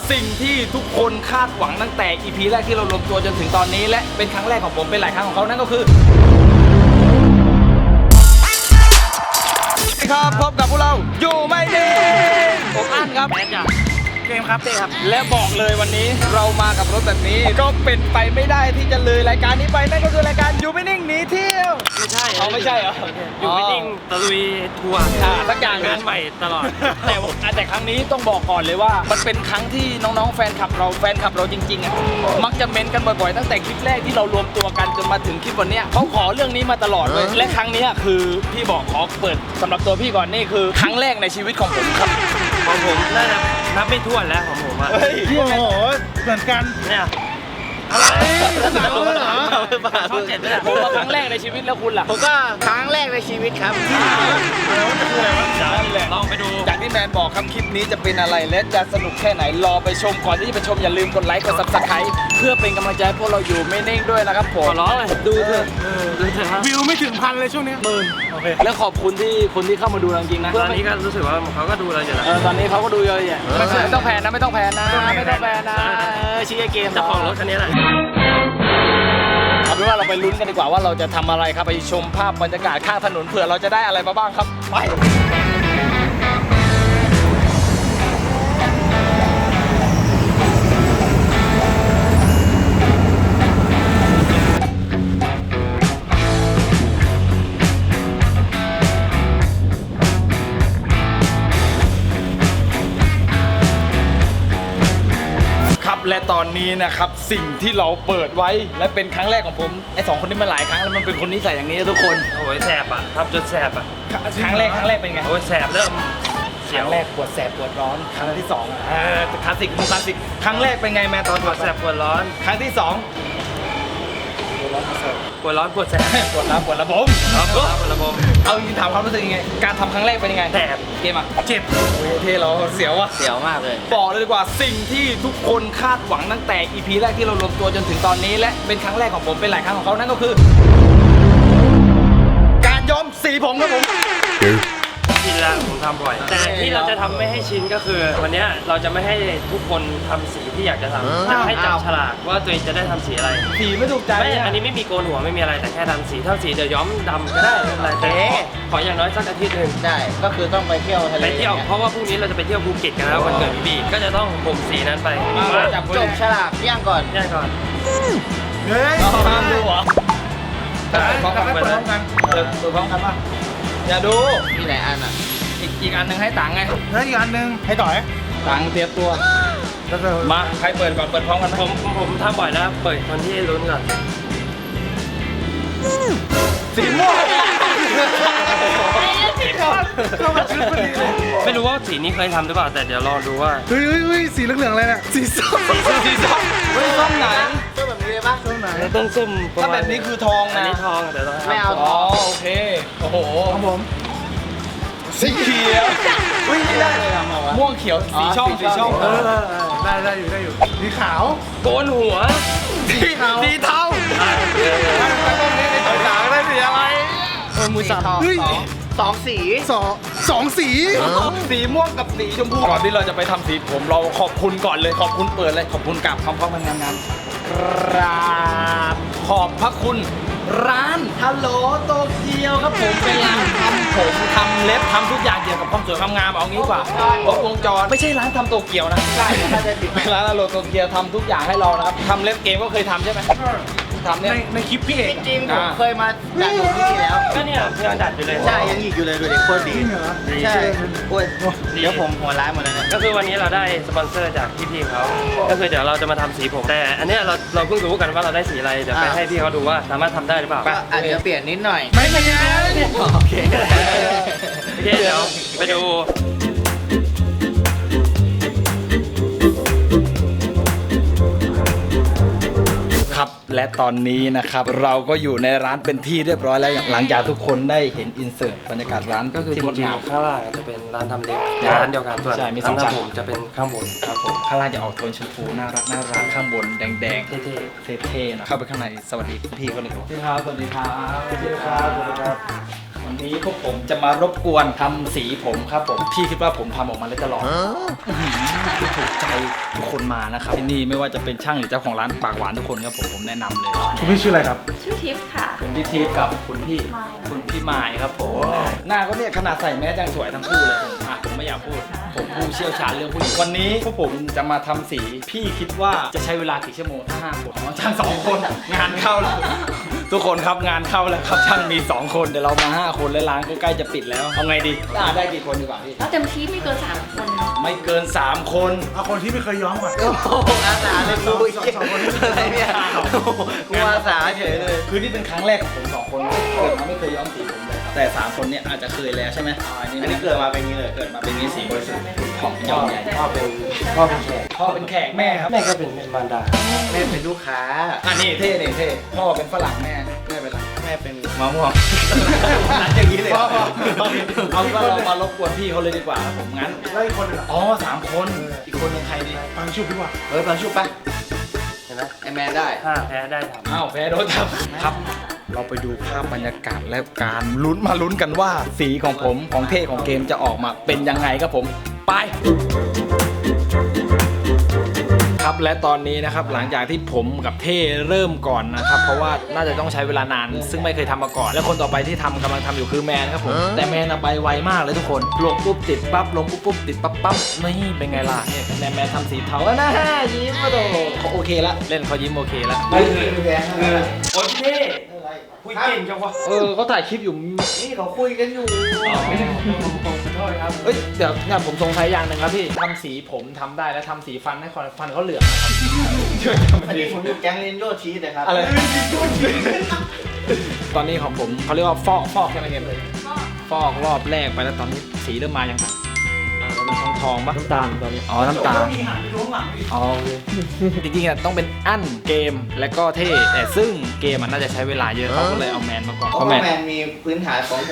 สิ่งที่ทุกคนคาดหวังตั้งแต่ EP แรกที่เรารวมตัวจนถึงตอนนี้และเป็นครั้งแรกของผมเป็นหลายครั้งของเขานั่นก็คือครับพบกับพวกเราอยู่ไม่ดีผมอั้นครับแมนจ้ะเกมครับเต้ครับและบอกเลยวันนี้เรามากับรถแบบนี้ก็เป็นไปไม่ได้ที่จะเลยรายการนี้ไปนั่นก็คือรายการอยู่ไม่นิ่งหนีเที่ยวไม่ใช่ไม่ใช่เหรออยู่ไม่นิ่งตะลุยทัวร์สักอย่างงานใหม่ตลอดแต่ครั้งนี้ต้องบอกก่อนเลยว่ามันเป็นครั้งที่น้องๆแฟนคลับเราจริงๆอ่ะมักจะเม้นกันบ่อยๆตั้งแต่คลิปแรกที่เรารวมตัวกันจนมาถึงคลิปวันนี้เขาขอเรื่องนี้มาตลอดเลยและครั้งนี้คือพี่บอกขอเปิดสำหรับตัวพี่ก่อนนี่คือครั้งแรกในชีวิตของผมครับของผมน่าจะนับไม่ถ้วนแล้วของผมอ่ะโอ้โหเหมือนกันเนี่ยอะไรหนังเลยเหรอช่อง7ด้วยผมว่าครั้งแรกในชีวิตแล้วคุณล่ะผมก็ครั้งแรกในชีวิตครับลองไปดูจากที่แมนบอกครับคลิปนี้จะเป็นอะไรและจะสนุกแค่ไหนรอไปชมก่อนที่จะไปชมอย่าลืมกดไลค์กด Subscribe เพื่อเป็นกำลังใจให้พวกเราอยู่ไม่นิ่งด้วยนะครับผมขอร้องเลยดูเถอะวิวไม่ถึงพันเลยช่วงนี้โอเคแล้วขอบคุณที่คนที่เข้ามาดูจริงๆนะตอนนี้ก็รู้สึกว่าเขาก็ดูเราอยู่แล้วตอนนี้เขาก็ดูเยอะแยะไม่ต้องแพนนะไม่ต้องแพนนะชี้เกมเจ้าของรถคันนี้แหละเอาเป็นว่าเราไปลุ้นกันดีกว่าว่าเราจะทำอะไรครับไปชมภาพบรรยากาศข้างถนนเผื่อเราจะได้อะไรมาบ้างครับไปและตอนนี้นะครับสิ่งที่เราเปิดไว้และเป็นครั้งแรกของผมไอ้2คนนี้มาหลายครั้งแล้วมันเป็นคนนิสัยอย่างนี้ทุกคนโอ้ยแสบอ่ะทำจนแสบอ่ะครั้งแรกเป็นไงโอ้ยแสบเริ่มครั้งแรกปวดแสบปวดร้อนครั้งที่2คลาสสิกครั้งแรกเป็นไงแม่ตอนปวดแสบปวดร้อนครั้งที่2 ปวดร้อนปวดแสบปวดระบบปวดระบบเอาจริงถามความรู้สึกยังไงการทำครั้งแรกเป็นยังไงแสบเกมอ่ะเจ็บโอ้ยเท่เราเสียวอ่ะเสียวมากเลยบอกเลยดีกว่าสิ่งที่ทุกคนคาดหวังตั้งแต่ EP แรกที่เรารวมตัวจนถึงตอนนี้และเป็นครั้งแรกของผมเป็นหลายครั้งของเขานั่นก็คือการย้อมสีผมครับผมชินแล้วผมทำบ่อยแต่ที่เราจะทำไม่ให้ชินก็คือวันนี้เราจะไม่ให้ทุกคนทำสีที่อยากจะทำจะให้จับฉลากว่าตัวเองจะได้ทำสีอะไรสีไม่ถูกใจไม่อันนี้ไม่มีโกนหัวไม่มีอะไรแต่แค่ทำสีเท่าสีเดี๋ยวย้อมดำก็ได้อะไรแต่ขออย่างน้อยสักอาทิตย์นึงได้ก็คือต้องไปเที่ยวทะเลไปเที่ยวเพราะว่าพรุ่งนี้เราจะไปเที่ยวภูเก็ตกันแล้ววันเกิดพี่บีก็จะต้องผมสีนั้นไปจับจบฉลากย่างก่อนเฮ้ยห้ามดูเหรอพร้อมกันเปิดพร้อมกันป่ะอย่าดูมีหลายอันอ่ะอีกอันหนึ่งให้ตังไงแล้วอีกอันหนึ่งให้ต่อยตังเตรียมตัวมาใครเปิดก่อนเปิดพร้อมกันผมทำบ่อยนะเปิดคนที่ลุ้นก่อนสีม่วงไม่รู้ว่าสีนี้เคยทำหรือเปล่าแต่เดี๋ยวรอดูว่าเฮ้ยสีเหลืองๆอะไรเนี่ยสีส้มส้มไหนส้มแบบนี้เลยปะส้มไหนต้นส้มถ้าแบบนี้คือทองนะอันนี้ทองแต่ไม่เอาอ๋อโอเคโอ้โหครับผมสีเขียวได้เลยทำเอาวะม่วงเขียวสีช่องได้อยู่สีขาวโกนหัวสีเทาแล้วตรงนี้ในตัวหนังได้สีอะไรมือสั่นสองสีสีม่วงกับสีชมพูก่อนที่เราจะไปทำสีผมเราขอบคุณก่อนเลยขอบคุณเปิดเลยขอบคุณกับคำพ้องงานครับขอบพระคุณร้านฮัลโหลโตเกียวครับผมเป็นร้านทำผมทำเล็บทำทุกอย่างเกี่ยวกับความสวยความงามเอางี้กว่าครบวงจรไม่ใช่ร้านทำโตเกียวนะใช่เป็นร้านฮัลโหลโตเกียวทำทุกอย่างให้เรานะครับทำเล็บเกมก็เคยทำใช่ไหมทำเนี่ยในคลิปพี่เอกจริงผมเคยมาดัดผมที่นี่แล้วก็เนี่ยยังดัดอยู่เลยใช่ยังหยิกอยู่เลยดูดิโคตรดีใช่โอ้ยเดี๋ยวผมหัวร้ายหมดเลยก็คือวันนี้เราได้สปอนเซอร์จากพี่เขาก็คือเดี๋ยวเราจะมาทำสีผมแต่อันนี้เราเพิ่งรู้กันว่าเราได้สีอะไรเดี๋ยวไปให้พี่เขาดูว่าสามารถทำได้หรือเปล่าอาจจะเปลี่ยนนิดหน่อยไม่เป็นไรโอเคเดี๋ยวไปดูครับและตอนนี้นะครับเราก็อยู่ในร้านเป็นที่เรียบร้อยแล้วหลังจากทุกคนได้เห็นอินเสิร์ตบรรยากาศร้านก็คือจริงๆข้างล่างจะเป็นร้านทำเล็บร้านเดียวกันส่วนร้านทำผมจะเป็นข้างบนครับผมข้างล่างจะออกโทนชมพูน่ารักข้างบนแดงเท่ๆนะเข้าไปข้างในสวัสดีพี่เขาเลยครับสวัสดีครับสวัสดีครับวันนี้พวกผมจะมารบกวนทำสีผมครับผมพี่คิดว่าผมทำออกมาแล้วจะหล่อถูกใจทุกคนมานะครับที่นี่ไม่ว่าจะเป็นช่างหรือเจ้าของร้านปากหวานทุกคนครับผมแนะนำเลยคุณพี่ชื่ออะไรครับชื่อทิพย์ค่ะคุณพี่ทีกับคุณพี่มายครับผมหน้าก็เนี่ยขนาดใส่แมสยังสวยทั้งคู่เลยผมไม่อยากพูดผมผู้เชี่ยวชาญเรื่องผู้หญิงวันนี้พวกผมจะมาทำสีพี่คิดว่าจะใช้เวลากี่ชั่วโมงถ้า5 คนช่าง2 คนงานเข้าแล้วทุกคนครับงานเข้าแล้วครับช่างมี2 คนแต่เรามา5 คนและร้านก็ใกล้จะปิดแล้วเอาไงดีได้กี่คนดีกว่าพี่แล้วเต็มที่ไม่เกิน3 คนไม่เกิน3 คนเอาคนที่ไม่เคยย้อมก่อนโอ้โหอาสาเลยกูสองคนนี้อะไรเนี่ยกูอาสาเฉยเลยคือนี่เป็นครั้งแรกของผม2 คนเกิดมาไม่เคยย้อมสีผมเลยครับแต่3 คนเนี่ยอาจจะเคยแล้วใช่ไหมอันอันนี้นี้เกิดมาเป็นอย่างนี้เลยเกิดมาเป็นนี้สีบริสุทธิ์ของยอมใหญ่พ่อเป็นแขกพ่อเป็นแขกแม่ครับแม่ก็เป็นมารดาแม่เป็นลูกค้าอันนี้เท่พ่อเป็นฝรั่งแม่เป็นอะไรแม่เป็นมะม่วงนัดอย่างนี้เลยพ่อเอาว่าเรามารบกวนพี่เขาเลยดีกว่าครับผมงั้นแล้วอีกคนหนึงอ่ะอ๋อ3 คนอีกคนยังใครดีฟังชุบดีกว่าเฮ้ยฟังชุบปะเห็นไหมไอแมนได้ถ้าแพ้ได้ทำอ้าวแพ้โดนทำครับ เราไปดูภาพบรรยากาศและการลุ้นกันว่าสีของผมของเท่ของเกมจะออกมาเป็นยังไงครับผมไปครับและตอนนี้นะครับหลังจากที่ผมกับเท่เริ่มก่อนนะครับเพราะว่าน่าจะต้องใช้เวลานานซึ่งไม่เคยทำมาก่อนและคนต่อไปที่กำลังทำอยู่คือแมนครับผมแต่แมนไปไวมากเลยทุกคนลงปุ๊บติดปั๊บลงปุ๊บติดปั๊บนี่เป็นไงล่ะเนี่ยแมนทำสีเทาแล้วนะยิ้มมาโดเขาโอเคละเล่นเขายิ้มโอเคละไม่คือโอ้ยพี่คุยเก่งจังวะเขาถ่ายคลิปอยู่นี่เขาคุยกันอยู่ผมขอโทษครับเอ้ยเดี๋ยวเนี่ยผมสงสัยอย่างหนึ่งครับพี่ทำสีผมทำได้แล้วทำสีฟันให้ฟันเขาเหลืองนะครับช่วยทำอันดีนี้ผมอยู่แก๊งเรนโยชีสนะครับอะไรตอนนี้ของผมเขาเรียกว่าฟอกใช่ไหมเกมฟอกรอบแรกไปแล้วตอนนี้สีเริ่มมายังมันทองปะน้ำตาลตอนนี้อ๋อน้ำตาลมีหันไปดูข้างหลังดิอ๋อจริงๆอะต้องเป็นอั้นเกมและก็เท่แต่ซึ่งเกมมันน่าจะใช้เวลาเยอะเขาก็เลยเอาแมนมาก่อนเพราะว่าแมนมีพื้นฐานของผม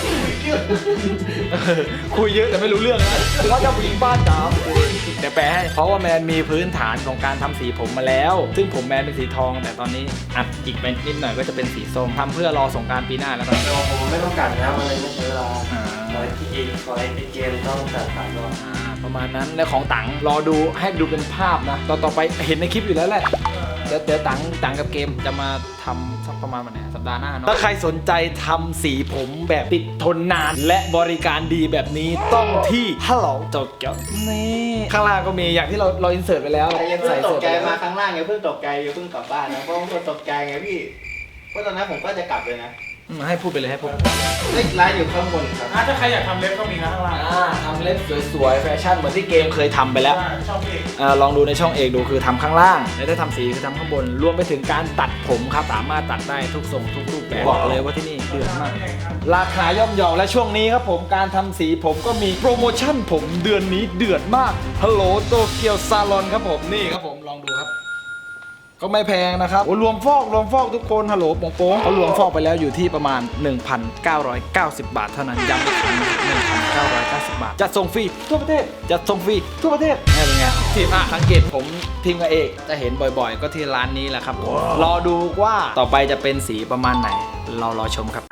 คุยเยอะแต่ไม่รู้เรื่องนะว่าจะผู้หญิงบ้านจ๋าเดี๋ยวแปลให้เพราะว่าแมนมีพื้นฐานของการทำสีผมมาแล้ว ซึ่งผมแมนเป็นสีทอง แต่ตอนนี้อัดอีกไปนิดหน่อยก็จะเป็นสีส้มทำเพื่อรอสงกรานต์ปีหน้าแล้วกันผมไม่ต้องการแล้วอะไรไม่ใช้เวลาขอให้เกมต้องแต่ผ่านรอบประมาณนั้นและของตังรอดูให้ดูเป็นภาพนะต่อไปเห็นในคลิปอยู่แล้วแหละเดี๋ยวตังกับเกมจะมาทำสักประมาณวันไหนสัปดาห์หน้าเนาะถ้าใครสนใจทำสีผมแบบติดทนนานและบริการดีแบบนี้ต้องที่ฮัลโหลโตเกียวนี่ข้างล่างก็มีอย่างที่เราอินเสิร์ตไปแล้วแต่ยังเพิ่งตกใจไปมาข้างล่างอย่าเพิ่งตกใจอย่าเพิ่งกลับบ้านนะเพราะบางคนตกใจไงพี่เพราะตอนนั้นผมก็จะกลับเลยนะให้พูดไปเลยให้พูดเลขร้านอยู่ข้างบนครับถ้าใครอยากทำเล็บก็มีนะข้างล่างทำเล็บสวยๆแฟชั่นเหมือนที่เกมเคยทำไปแล้วใช่ชอบเองลองดูในช่องเอกดูคือทำข้างล่างแล้วถ้าทำสีคือทำข้างบนรวมไปถึงการตัดผมครับสามารถตัดได้ทุกทรงทุกรูปแบบบอกเลยว่าที่นี่เดือดมาก ราคาย่อมเยาและช่วงนี้ครับผมการทำสีผมก็มีโปรโมชั่นผมเดือนนี้เดือดมากฮัลโหลโตเกียวซาลอนครับผมนี่ครับผมลองดูครับก็ไม่แพงนะครับโอ้รวมฟอกทุกคนฮัลโหลโป๋งเขารวมฟอกไปแล้วอยู่ที่ประมาณ 1,990 บาทเท่านั้นย้ำอีกครั้ง1,990 บาทจัดส่งฟรีทั่วประเทศจัดส่งฟรีทั่วประเทศนี่เป็นไงทีมสังเกตผมทีมกับเอกจะเห็นบ่อยๆ ก็ที่ร้านนี้แหละครับผมรอดูว่าต่อไปจะเป็นสีประมาณไหนเรารอชมครับ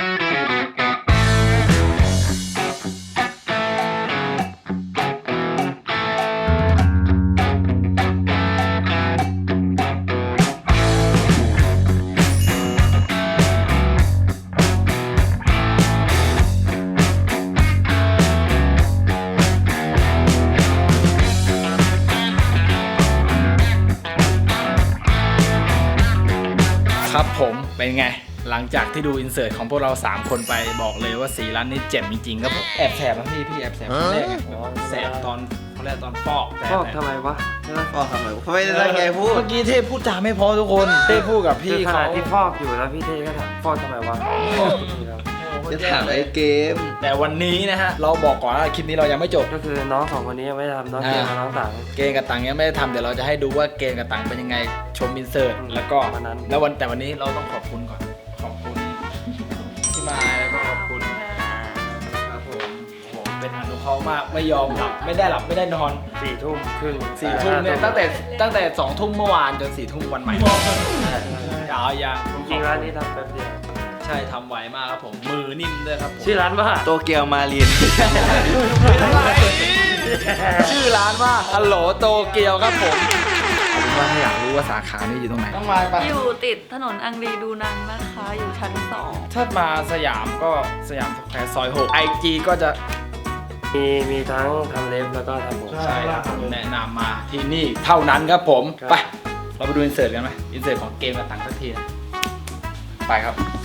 ครับผมเป็นไงหลังจากที่ดูอินเสิร์ตของพวกเรา3คนไปบอกเลยว่าสีร้านนี้เจ๋มจริงๆครับผมแอบแสบนะพี่แอบแสบครั้งแรกแสบตอนเขาเรียกตอนฟอกฟอกทำไมวะใช่ไหมก็ทำไมไม่ได้ตั้งใจพูดเมื่อกี้เทพพูดจาไม่พอทุกคนเทพพูดกับพี่คือขเขาณะที่ฟอกอยู่แล้วพี่เท่ก็ถามฟอกทำไมวะจะถามไอ้เกมแต่วันนี้นะฮะเราบอกก่อนว่าคลิปนี้เรายังไม่จบก็คือน้องสองคนนี้ยังไม่ได้ทำน้องเกมกับน้องต่างเกณฑ์กับตังยังไม่ได้ทำเดี๋ยวเราจะให้ดูว่าเกณฑ์กับตังเป็นยังไงชมอินเสิร์ตแล้วก็วันนั้นแล้วแต่วันนี้เราต้องขอบคุณก่อนขอบคุณที่มาแล้วก็ขอบคุณครับผมโอ้โหเป็นอนุเคราะห์มากไม่ยอมหลับไม่ได้หลับไม่ได้นอน 4 ทุ่มครึ่ง 4 ทุ่มเนี่ยตั้งแต่2 ทุ่มเมื่อวานจน4 ทุ่มวันใหม่อย่าจริงๆร้านนี้ทำแป๊บเดียวใช่ทำไวมากครับผม มือนิ่มด้วยครับผมชื่อร้านว่าโตเกียวมาเรียนชื่อร้านว่าฮัลโหลโตเกียวครับผมว่าถ้าอยากรู้ว่าสาขานี้อยู่ตรงไหนต้องมาปะอยู่ติดถนนอังรีดูนังนะคะ อยู่ชั้นถ้ามาสยามก็สยามสแควร์ซอย 6 IG ก็จะมีทั้งทำเล็บแล้วก็ทำผมใช่ครับผมแนะนำมาที่นี่เท่านั้นครับผม ไป เราไปดูอินเสิร์ตกันไหมอินเสิร์ตของเกมกับตังค์สักทีนะไปครับ